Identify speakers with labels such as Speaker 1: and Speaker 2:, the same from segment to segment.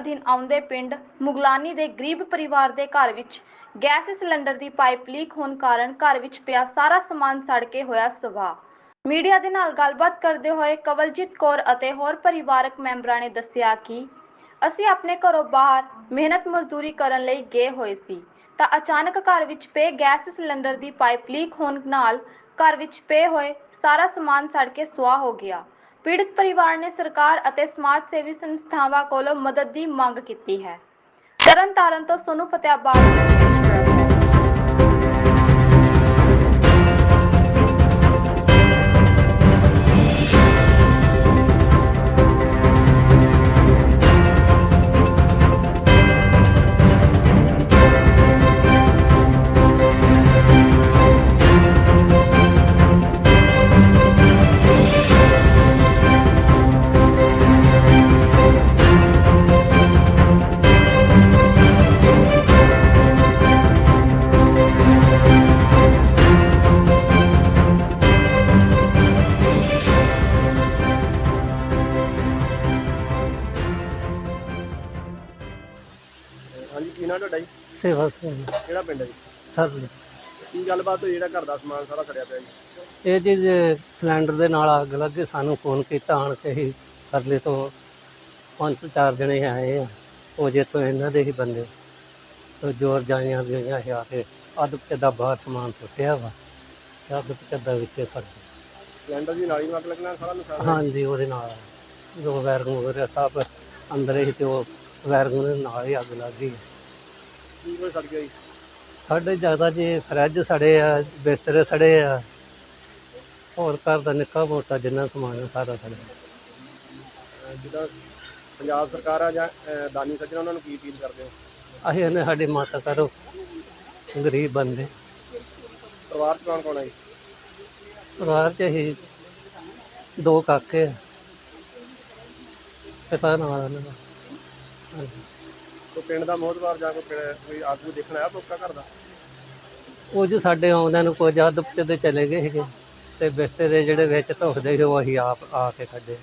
Speaker 1: ਅਧੀਨ ਆਉਂਦੇ ਪਿੰਡ ਮੁਗਲਾਨੀ ਦੇ ਗਰੀਬ ਪਰਿਵਾਰ ਦੇ ਘਰ ਵਿੱਚ ਗੈਸ ਸਿਲੰਡਰ ਦੀ ਪਾਈਪ ਲੀਕ ਹੋਣ ਕਾਰਨ ਘਰ ਵਿੱਚ ਪਿਆ ਸਾਰਾ ਸਮਾਨ ਸੜ ਕੇ ਹੋਇਆ ਸਵਾਹ। ਮੀਡੀਆ ਦੇ ਨਾਲ ਗੱਲਬਾਤ ਕਰਦੇ ਹੋਏ ਕਵਲਜੀਤ ਕੌਰ ਅਤੇ ਹੋਰ ਪਰਿਵਾਰਕ ਮੈਂਬਰਾਂ ਨੇ ਦੱਸਿਆ ਕਿ ਅਸੀਂ ਆਪਣੇ ਘਰੋਂ ਬਾਹਰ ਮਿਹਨਤ ਮਜ਼ਦੂਰੀ ਕਰਨ ਲਈ ਗਏ ਹੋਏ ਸੀ ਤਾਂ ਅਚਾਨਕ ਘਰ ਵਿੱਚ ਪਏ ਗੈਸ ਸਿਲੰਡਰ ਦੀ ਪਾਈਪ ਲੀਕ ਹੋਣ ਨਾਲ ਘਰ ਵਿੱਚ ਪਏ ਹੋਏ ਸਾਰਾ ਸਮਾਨ ਸੜ ਕੇ ਸੁਆਹ ਹੋ ਗਿਆ। ਪੀੜਤ ਪਰਿਵਾਰ ਨੇ ਸਰਕਾਰ ਅਤੇ ਸਮਾਜ ਸੇਵੀ ਸੰਸਥਾਵਾਂ ਕੋਲੋਂ ਮਦਦ ਦੀ ਮੰਗ ਕੀਤੀ ਹੈ। ਤਰਨਤਾਰਨ ਤੋਂ ਸੋਨੂੰ ਫਤਿਆਬਾਦ।
Speaker 2: ਹਾਂਜੀ, ਕੀ ਨਾਂ ਤੁਹਾਡਾ ਜੀ?
Speaker 3: ਸੇਵਾ ਸਿੰਘ
Speaker 2: ਕਿਹੜਾ ਪਿੰਡ ਹੈ ਜੀ?
Speaker 3: ਸਰ
Speaker 2: ਕੀ ਗੱਲਬਾਤ ਹੋਈ ਜਿਹੜਾ ਘਰ ਦਾ ਸਮਾਨ ਸਾਰਾ ਸੜਿਆ ਪਿਆ ਜੀ?
Speaker 3: ਇਹ ਜੀ ਸਿਲੰਡਰ ਦੇ ਨਾਲ ਅੱਗ ਲੱਗੇ, ਸਾਨੂੰ ਫੋਨ ਕੀਤਾ ਆਣ ਕੇ ਹੀ ਸਰਲੇ ਤੋਂ 5-4 ਜਣੇ ਆਏ ਆ। ਉਹ ਜਿੱਥੋਂ ਇਹਨਾਂ ਦੇ ਹੀ ਬੰਦੇ ਤੋਂ ਜੋਰ ਜਾਈਆਂ ਗਈਆਂ ਆ ਕੇ ਅੱਧ ਪਚੱਦਾ ਬਾਹਰ ਸਮਾਨ ਸੁੱਟਿਆ ਵਾ, ਅੱਧ ਪਚੱਦਾ ਵਿੱਚ ਸੜ ਗਿਆ।
Speaker 2: ਸਿਲੰਡਰ ਦੀ ਨਾਲੀ ਨੂੰ ਅੱਗ ਲੱਗਣਾ ਸਾਰਾ ਨੁਕਸਾਨ ਹੋਇਆ?
Speaker 3: ਹਾਂਜੀ, ਉਹਦੇ ਨਾਲ ਜੋ ਵੈਰਗੂ ਵਗੈਰਾ ਸਭ ਅੰਦਰ ਹੀ, ਤੇ ਉਹ ਵੈਰਗੂ ਦੇ ਨਾਲ ਹੀ ਅੱਗ ਲੱਗ ਗਈ।
Speaker 2: ਕੀ ਕੁਝ ਸੜ ਗਿਆ ਜੀ?
Speaker 3: ਸਾਡੇ ਜ਼ਿਆਦਾ ਜੀ ਫਰਿੱਜ ਸੜੇ ਆ, ਬਿਸਤਰੇ ਸੜੇ ਆ, ਹੋਰ ਘਰ ਦਾ ਨਿੱਕਾ ਮੋਟਾ ਜਿੰਨਾ ਸਮਾਨ ਆ ਸਾਰਾ ਸੜਿਆ।
Speaker 2: ਜਿੱਦਾਂ ਪੰਜਾਬ ਸਰਕਾਰ ਆ ਜਾਂ ਦਾਨੀ ਸੱਜਣ, ਉਹਨਾਂ ਨੂੰ ਕੀ ਅਪੀਲ ਕਰਦੇ ਹੋ?
Speaker 3: ਅਸੀਂ ਇਹਨੇ ਸਾਡੀ ਮਦਦ ਕਰੋ, ਗਰੀਬ ਬੰਦੇ।
Speaker 2: ਪਰਿਵਾਰ 'ਚ ਕੌਣ ਕੌਣ ਹੈ ਜੀ?
Speaker 3: ਪਰਿਵਾਰ 'ਚ ਅਸੀਂ 2 ਕਾਕੇ ਆ, ਪਿਤਾ ਨਾਲ ਉਹਨਾਂ ਦਾ। ਹਾਂਜੀ।
Speaker 2: ਕੋਈ ਪਿੰਡ ਦਾ ਮੋਹਤਬਾਰ ਜਾਂ ਕੋਈ ਆਗੂ ਦੇਖਣ ਆਇਆ ਮੌਕਾ ਘਰ ਦਾ?
Speaker 3: ਕੁਝ ਸਾਡੇ ਆਉਂਦਿਆਂ ਨੂੰ ਕੁਝ ਅੱਧ ਪਚੱਦੇ ਚਲੇ ਗਏ ਸੀਗੇ, ਤੇ ਬਿਸਤਰੇ ਜਿਹੜੇ ਵਿੱਚ ਧੁਖਦੇ ਸੀ ਉਹ ਅਸੀਂ ਆਪ ਆ ਕੇ ਕੱਢੇ।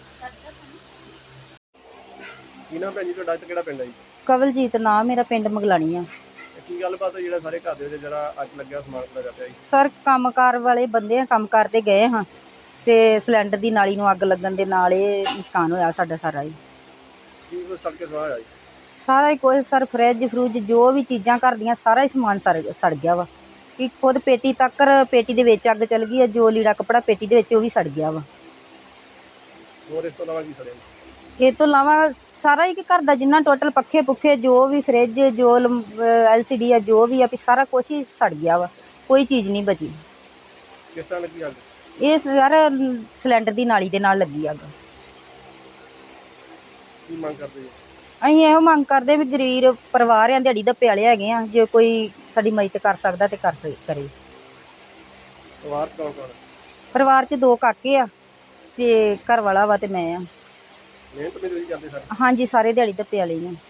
Speaker 2: ਕੀ ਨਾਮ ਭੈਣ ਜੀ ਤੁਹਾਡਾ ਤੇ ਕਿਹੜਾ ਪਿੰਡ ਹੈ ਜੀ?
Speaker 4: ਕਵਲਜੀਤ ਨਾਮ ਮੇਰਾ, ਪਿੰਡ ਮਗਲਾਣੀ ਆ।
Speaker 2: ਕੀ ਗੱਲਬਾਤ ਹੈ ਜਿਹੜਾ ਸਾਰੇ ਘਰ ਦੇ ਵਿੱਚ ਜਿਹੜਾ ਅੱਗ ਲੱਗਿਆ ਸਮਾਨ ਸੜਿਆ ਪਿਆ ਜੀ?
Speaker 4: ਸਰ ਕੰਮਕਾਰ ਵਾਲੇ ਬੰਦੇ ਆ, ਕੰਮ ਕਰਦੇ ਗਏ ਹਾਂ ਤੇ ਸਿਲੰਡਰ ਦੀ ਨਾਲੀ ਨੂੰ ਅੱਗ ਲੱਗਣ ਦੇ ਨਾਲ ਇਹ ਨੁਕਸਾਨ ਹੋਇਆ ਸਾਡਾ ਸਾਰਾ ਹੀ।
Speaker 2: ਕੀ ਕੁਝ ਸੜ ਕੇ ਸਵਾਹ ਹੋਇਆ ਜੀ?
Speaker 4: ਸਾਰਾ ਹੀ ਕੁਝ ਸਰ, ਫਰਿੱਜ ਫਰੂਜ ਜੋ ਵੀ ਚੀਜ਼ਾਂ ਘਰ ਦੀਆਂ ਸਾਰਾ ਹੀ ਸਮਾਨ ਸੜ ਗਿਆ ਵਾ। ਕਿ ਖੁਦ ਪੇਟੀ ਤੱਕ, ਪੇਟੀ ਦੇ ਵਿੱਚ ਅੱਗ ਚੱਲ ਗਈ ਹੈ, ਜੋ ਲੀੜਾ ਕੱਪੜਾ ਪੇਟੀ ਦੇ ਵਿੱਚ ਉਹ ਵੀ ਸੜ ਗਿਆ ਵਾ।
Speaker 2: ਹੋਰ ਇਸ ਤੋਂ ਇਲਾਵਾ ਕੀ ਸੜਿਆ?
Speaker 4: ਇਹ ਤੋਂ ਇਲਾਵਾ ਸਾਰਾ ਹੀ ਕਿ ਘਰ ਦਾ ਜਿੰਨਾ ਟੋਟਲ ਪੱਖੇ ਪੁੱਖੇ ਜੋ ਵੀ ਫਰਿੱਜ ਜੋ LCD ਆ ਜੋ ਵੀ ਆ, ਵੀ ਸਾਰਾ ਕੁਛ ਹੀ ਸੜ ਗਿਆ ਵਾ, ਕੋਈ ਚੀਜ਼ ਨਹੀਂ ਬਚੀ।
Speaker 2: ਕਿਸ ਤਰ੍ਹਾਂ ਲੱਗੀ ਅੱਗ?
Speaker 4: ਇਹ ਸਰ ਸਿਲੰਡਰ ਦੀ ਨਾਲੀ ਦੇ ਨਾਲ ਲੱਗੀ ਅੱਗ।
Speaker 2: ਕੀ ਮੰਗ ਕਰਦੇ ਜੀ?
Speaker 4: ਅਸੀਂ ਇਹੋ ਮੰਗ ਕਰਦੇ ਵੀ ਗਰੀਬ ਪਰਿਵਾਰ ਆ, ਦਿਹਾੜੀ ਦੱਪੇ ਵਾਲੇ ਹੈਗੇ ਆ, ਜੇ ਕੋਈ ਸਾਡੀ ਮਦਦ ਕਰ ਸਕਦਾ ਤੇ ਕਰੇ।
Speaker 2: ਪਰਿਵਾਰ 'ਚ ਕੌਣ ਕੌਣ ਹੈ?
Speaker 4: ਪਰਿਵਾਰ 'ਚ 2 ਕਾਕੇ ਆ ਤੇ ਘਰ ਵਾਲਾ ਵਾ ਤੇ ਮੈਂ ਆ।
Speaker 2: ਮਿਹਨਤ ਮਜ਼ਦੂਰੀ ਕਰਦੇ ਸਰ?
Speaker 4: ਹਾਂਜੀ, ਸਾਰੇ ਦਿਹਾੜੀ ਦੱਪੇ ਵਾਲੇ ਹੀ ਆ।